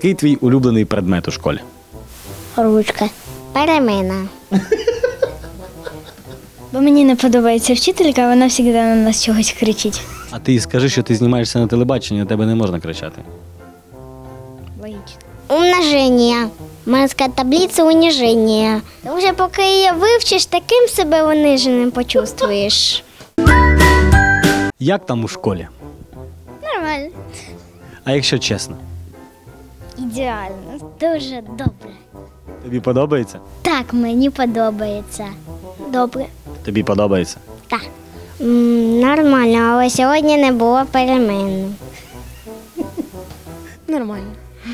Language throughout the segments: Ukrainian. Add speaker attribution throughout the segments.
Speaker 1: Який твій улюблений предмет у школі?
Speaker 2: Ручка. Перемена.
Speaker 3: Бо мені не подобається вчителька, вона завжди на нас чогось кричить.
Speaker 1: А ти скажи, що ти знімаєшся на телебаченні, на тебе не можна кричати.
Speaker 3: Логічно.
Speaker 2: Умноження. Морська таблиця униження. Тому що поки її вивчиш, таким себе униженим почувствуєш.
Speaker 1: Як там у школі?
Speaker 3: Нормально.
Speaker 1: А якщо чесно?
Speaker 2: Ідеально. Дуже добре.
Speaker 1: Тобі подобається?
Speaker 2: Так, мені подобається. Добре.
Speaker 1: Тобі подобається.
Speaker 2: Так. Нормально, але сьогодні не було перемен.
Speaker 3: Нормально.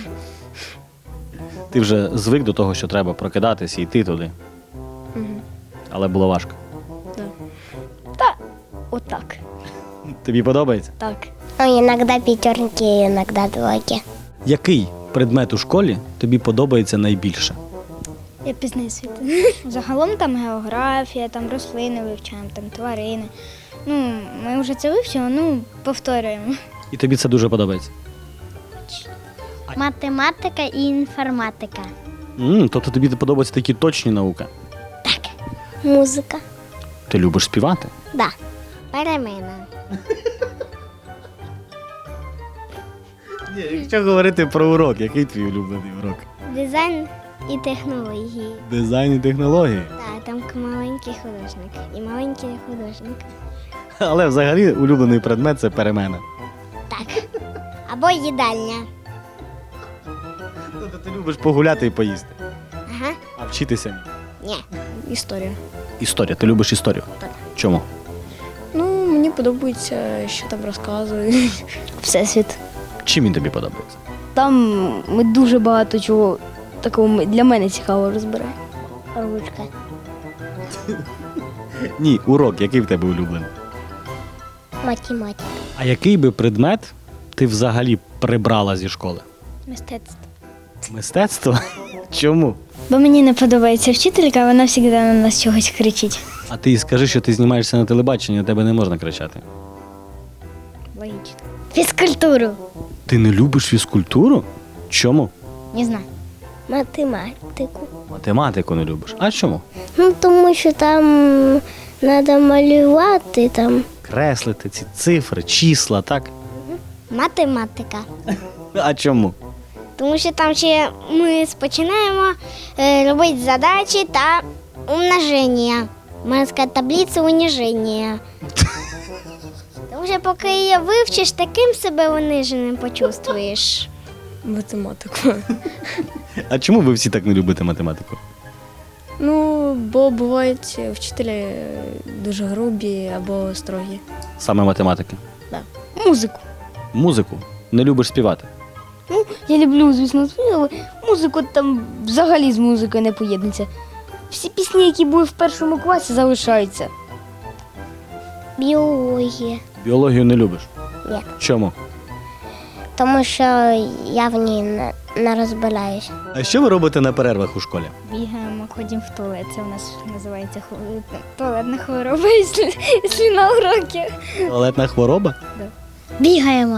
Speaker 1: Ти вже звик до того, що треба прокидатися і йти туди. Але було важко.
Speaker 3: Та отак.
Speaker 1: Тобі подобається?
Speaker 3: Так.
Speaker 2: Ну, іноді п'ятерки, іноді двойки.
Speaker 1: Який предмет у школі тобі подобається найбільше?
Speaker 3: Я пізнаю світ. Загалом там географія, там рослини вивчаємо, там тварини. Ну, ми вже це вивчили, повторюємо.
Speaker 1: І тобі це дуже подобається?
Speaker 2: Математика і інформатика.
Speaker 1: Тобто тобі подобаються такі точні науки?
Speaker 2: Музика.
Speaker 1: Ти любиш співати?
Speaker 2: Да. Перемена.
Speaker 1: Ні, якщо говорити про урок, який твій улюблений урок?
Speaker 2: Дизайн і технології.
Speaker 1: Дизайн і технології.
Speaker 2: Так, там маленький художник і маленький художник.
Speaker 1: Але взагалі улюблений предмет – це перемена.
Speaker 2: Так. Або їдальня.
Speaker 1: Тобто ти любиш погуляти і поїсти,
Speaker 2: Ага.
Speaker 1: а вчитися ні.
Speaker 2: Ні.
Speaker 3: Історія.
Speaker 1: Історія. Ти любиш історію?
Speaker 2: Так.
Speaker 1: Чому?
Speaker 4: Ну, мені подобається, що там розказують.
Speaker 3: Всесвіт.
Speaker 1: Чим він тобі подобається?
Speaker 3: Там ми дуже багато чого такого для мене цікавого розбираємо.
Speaker 2: Ручка.
Speaker 1: Ні, урок, який в тебе улюблений?
Speaker 2: Математика.
Speaker 1: А який би предмет ти взагалі прибрала зі школи?
Speaker 3: Мистецтво.
Speaker 1: Мистецтво? Чому?
Speaker 3: Бо мені не подобається вчителька, вона завжди на нас чогось кричить.
Speaker 1: А ти скажи, що ти знімаєшся на телебаченні, на тебе не можна кричати.
Speaker 3: Логічно.
Speaker 2: Фізкультуру.
Speaker 1: Ти не любиш фізкультуру? Чому?
Speaker 3: Не знаю.
Speaker 2: Математику.
Speaker 1: Математику не любиш. А чому?
Speaker 2: Ну, тому що там треба малювати там.
Speaker 1: Креслити ці цифри, числа, так?
Speaker 2: Математика.
Speaker 1: А чому?
Speaker 2: Тому що там ще ми починаємо робити задачі та умноження. Морська таблиця униження. Тому що поки її вивчиш, таким себе униженим почувствуєш.
Speaker 4: Математику.
Speaker 1: А чому ви всі так не любите математику?
Speaker 4: Ну, бо бувають вчителі дуже грубі або строгі.
Speaker 1: Саме математики.
Speaker 3: Музику.
Speaker 1: Музику? Не любиш співати?
Speaker 3: Ну, я люблю, звісно, але музику там взагалі з музикою не поєднується. Всі пісні, які були в першому класі, залишаються.
Speaker 2: Біологія.
Speaker 1: Біологію не любиш?
Speaker 2: Ні.
Speaker 1: Чому?
Speaker 2: Тому що я в ній не розбираюся.
Speaker 1: А що ви робите на перервах у школі?
Speaker 3: Бігаємо, ходимо в туалет. Це у нас називається туалетна хвороба, якщо на уроки.
Speaker 1: Туалетна хвороба?
Speaker 2: Бігаємо.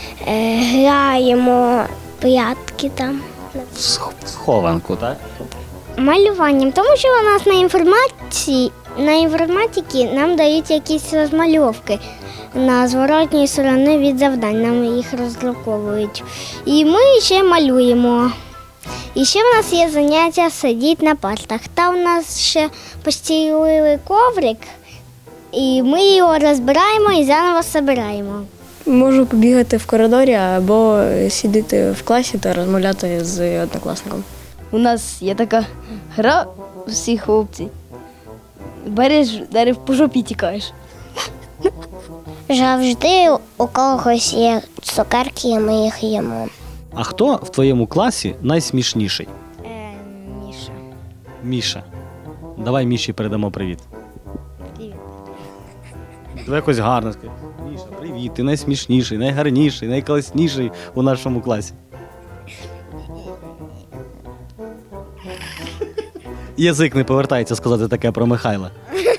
Speaker 2: Граємо прятки там.
Speaker 1: Схованку, так?
Speaker 2: Малюванням, тому що у нас на інформатиці нам дають якісь розмальовки на зворотній стороні від завдань, нам їх роздруковують. І ми ще малюємо. І ще в нас є заняття сидіти на партах. Там у нас ще постілили коврик, і ми його розбираємо і заново збираємо.
Speaker 4: Можу побігати в коридорі або сидіти в класі та розмовляти з однокласником.
Speaker 3: У нас є така гра всі хлопці. Береш, дерев по жопі тікаєш.
Speaker 2: Завжди у когось є цукерки, і ми їх їмо.
Speaker 1: А хто в твоєму класі найсмішніший?
Speaker 3: Міша.
Speaker 1: Міша. Давай Міші передамо привіт.
Speaker 3: Привіт.
Speaker 1: Давай якось гарно скажи. Міша, привіт, ти найсмішніший, найгарніший, найкласніший у нашому класі. Язик не повертається сказати таке про Михайла.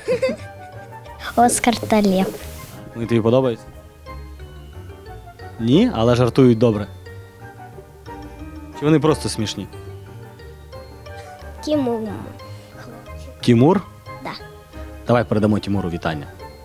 Speaker 2: Оскар та Лев.
Speaker 1: Вони тобі подобаються? Ні, але жартують добре. Чи вони просто смішні?
Speaker 2: Тімур.
Speaker 1: Тімур?
Speaker 2: Да.
Speaker 1: Давай передамо Тімуру вітання.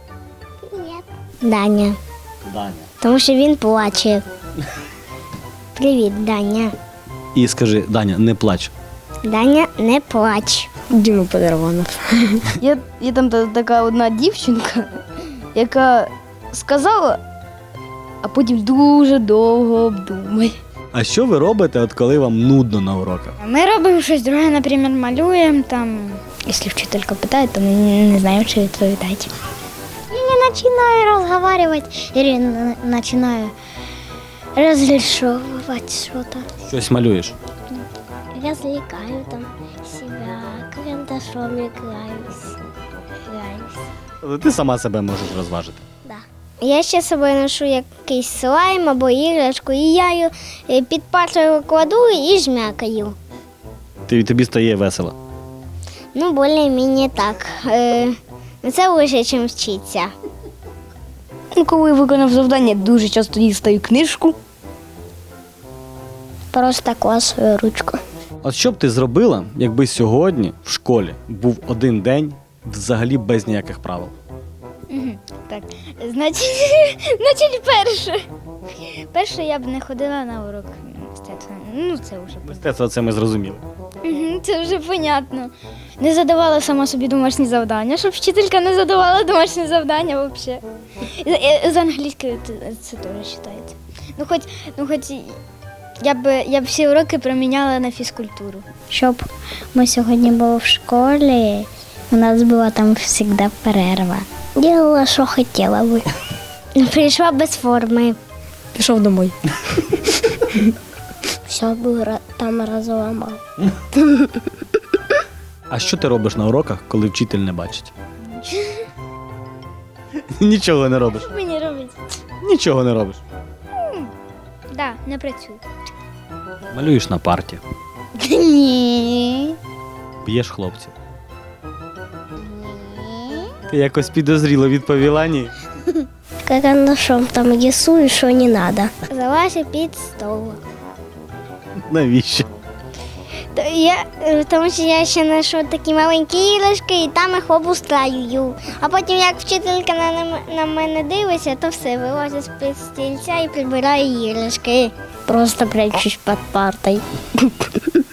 Speaker 2: Даня.
Speaker 1: Даня.
Speaker 2: Тому що він плаче. Привіт, Даня.
Speaker 1: І скажи, Даня, не плач.
Speaker 2: Даня, не плач.
Speaker 4: Діму подарував.
Speaker 5: Є там така одна дівчинка, яка сказала, а потім дуже довго обдумає.
Speaker 1: А що ви робите, от коли вам нудно на уроках?
Speaker 3: Ми робимо щось друге, наприклад, малюємо там. Якщо вчителька питає, то ми не знаємо, що відповідати.
Speaker 2: Я починаю розмовляти, или починаю разрешовывать что-то.
Speaker 1: Щось малюєш?
Speaker 2: Развлекаю там себя, карандашом играюсь.
Speaker 1: Тобто ти сама себе можеш розважити.
Speaker 2: Да. Я ще з собою ношу якийсь слайм або іграшку, і я її під партою кладу і жмякаю.
Speaker 1: Тобі стає весело.
Speaker 2: Ну, більш-менш так. Це лише, ніж вчитися.
Speaker 5: Ну, коли я виконав завдання, дуже часто дістаю книжку.
Speaker 2: Просто класую ручку.
Speaker 1: От що б ти зробила, якби сьогодні в школі був один день взагалі без ніяких правил?
Speaker 3: Так, значить перше. Перше я б не ходила на урок мистецтва. Ну, це вже
Speaker 1: Мистецтво це ми зрозуміли.
Speaker 3: Це вже понятно. Не задавала сама собі домашні завдання, щоб вчителька не задавала домашні завдання взагалі. З англійською це теж вважається. Хоч я б всі уроки проміняла на фізкультуру.
Speaker 2: Щоб ми сьогодні були в школі, у нас була там завжди перерва. Ділала, що хотіла би. Прийшла без форми.
Speaker 4: Пішов домой.
Speaker 2: Все би там розламав.
Speaker 1: А що ти робиш на уроках, коли вчитель не бачить? Нічого не робиш.
Speaker 3: Що мені робити?
Speaker 1: Нічого не робиш.
Speaker 3: Так, не працюю.
Speaker 1: Малюєш на парті,
Speaker 3: Ні.
Speaker 1: б'єш хлопців. Ти якось підозріло відповіла ні.
Speaker 2: Карандашом там рисую, що не треба. Залазь під стол.
Speaker 1: Навіщо?
Speaker 2: Тому що я ще знайшов такі маленькі іграшки і там їх обустраюю. А потім, як вчителька на мене дивиться, то все, вилазить з-під стільця і прибирає іграшки. Просто прячусь під партою.